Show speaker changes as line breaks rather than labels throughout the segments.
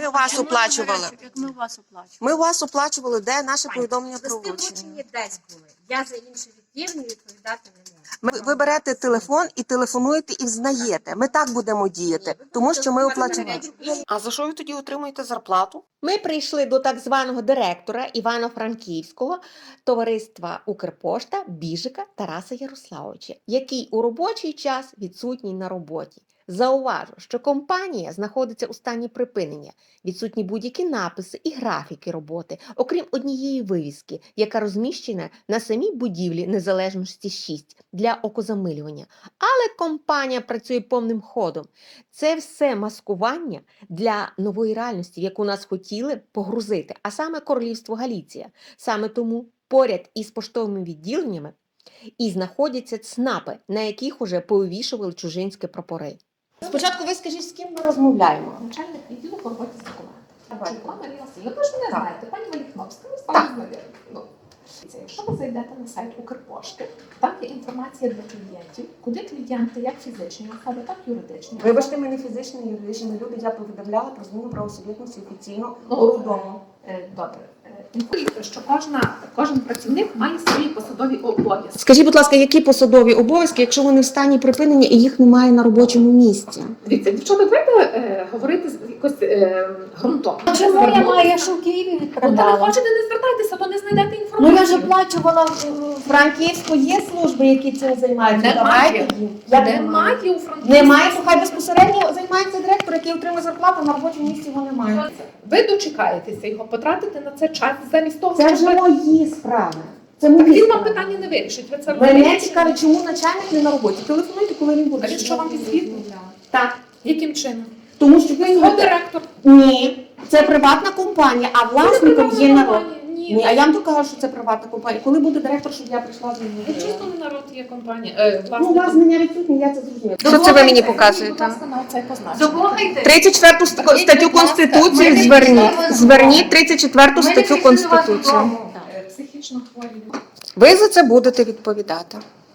у вас оплачували.
Як ми у вас оплачували.
Ми у вас оплачували, де наше повідомлення про
Листи
вручення.
вручені десь були. Я за інші відділення відповідати не можу.
Ви берете телефон і телефонуєте і взнаєте. Ми так будемо діяти, тому що ми оплачували. А за що ви тоді отримуєте зарплату? Ми прийшли до так званого директора Івано-Франківського товариства Укрпошта Біжика Тараса Ярославовича, який у робочий час відсутній на роботі. Зауважу, що компанія знаходиться у стані припинення, відсутні будь-які написи і графіки роботи, окрім однієї вивіски, яка розміщена на самій будівлі Незалежності 6 для окозамилювання. Але компанія працює повним ходом. Це все маскування для нової реальності, в яку нас хотіли погрузити, а саме Королівство Галіція. Саме тому поряд із поштовими відділеннями і знаходяться ЦНАПи, на яких уже повивішували чужинські прапори. Спочатку ви скажіть, з ким ми розмовляємо?
Начальник відділу по роботі з документами. Чуйко Марія Васильівна. Ви ж мене знаєте, пані Валіхновська, ви стали знайомі. Якщо ви зайдете на сайт Укрпошти, там є інформація для клієнтів, куди клієнти, як фізичні особи, так і юридичні.
Вибачте, ми не фізичні, юридичні люди. Я повідомляла про зміну правосуб'єктності офіційно урядово.
Добре. Інформуйте, що кожен працівник має свої посадові обов'язки.
Скажіть, будь ласка, які посадові обов'язки, якщо вони в стані припинення і їх немає на робочому місці?
Дивіться, дівчата, давайте говорити якось ґрунтовно.
Чому я маю? Я ж у Києві
Ну, то не
відправляла.
хочете, не звертайтеся, то не знайдете
Ну
інформацію.
я ж оплачувала в Франківську, є служби, які цим займаються.
Немає.
Давайте їм.
Немає у Франківську.
Немає, то хай безпосередньо займається директор, який отримує зарплату, на робочому місці його немає.
Ви дочекаєтеся його, потратите на це час замість того,
Це
щоб...
вже мої справи. Це
Так
мої
він вам
справи.
питання не вирішить. Ви це
Мене
розумієте?
цікавить, чому начальник не на роботі. Телефонуйте, коли він буде.
А він що вам підсвітив?
Так.
Яким чином?
Тому що ви
Його директор.
Ні, це приватна компанія, а власником є народ.
Ні.
Ні, а я вам то кажу, що це приватна компанія. Коли буде директор, щоб я прийшла з ним?
Чисто не народ є компанія.
Ну, у вас знання відсутні, я це зрозуміла.
Що це ви мені показуєте?
Будь ласка, на оцей позначення.
Дослухайте.
34 статтю Конституції зверніть 34 статтю Конституції.
Психічно хворі.
Ви за це будете відповідати.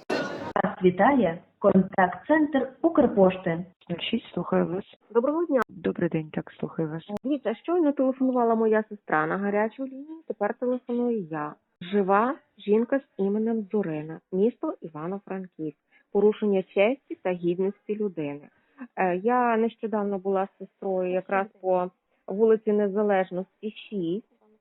Вас вітає контакт-центр Укрпошти.
Слухаю вас.
Доброго дня.
Добрий день, так, слухаю вас.
Дивіться, щойно телефонувала моя сестра на гарячу лінію, тепер телефоную я. Жива жінка з іменем Зорина, місто Івано-Франківськ. Порушення честі та гідності людини. Я нещодавно була з сестрою якраз по вулиці Незалежності 6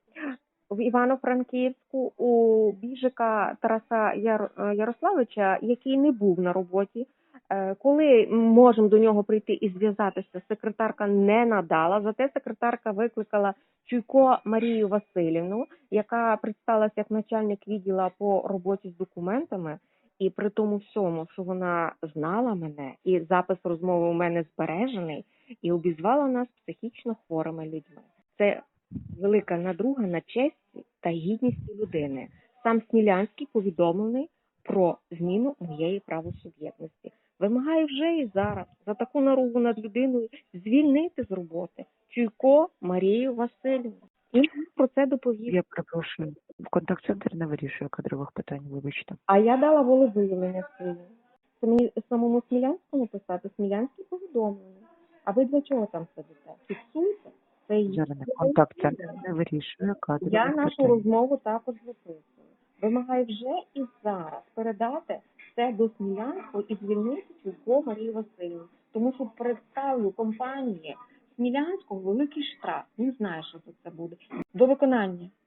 в Івано-Франківську у Біжика Тараса Ярославовича, який не був на роботі. Коли можемо до нього прийти і зв'язатися, секретарка не надала, зате секретарка викликала Чуйко Марію Васильівну, яка представилася як начальник відділу по роботі з документами, і при тому всьому, що вона знала мене, і запис розмови у мене збережений, і обізвала нас психічно хворими людьми. Це велика надруга на честі та гідність людини. Сам Смілянський повідомлений про зміну моєї правосуб'єктності. Вимагаю вже і зараз за таку наругу над людиною звільнити з роботи Чуйко Марію Васильівну. І про це доповів.
Я перепрошую. Контакт-центр не вирішує кадрових питань, вибачте.
А я дала волевиявлення своє. Це мені самому Смілянському писати, Смілянський повідомлення. А ви для чого там сидите? Фіксуйте. Це
Зорина, контакт-центр не вирішує кадрових
Я
питань.
нашу розмову також записую. Вимагаю вже і зараз передати це до Смілянського і звільнити Чуйко Марію Васильівну. Тому що представлю компанії Смілянського великий штраф. Він знає, що це буде. До виконання.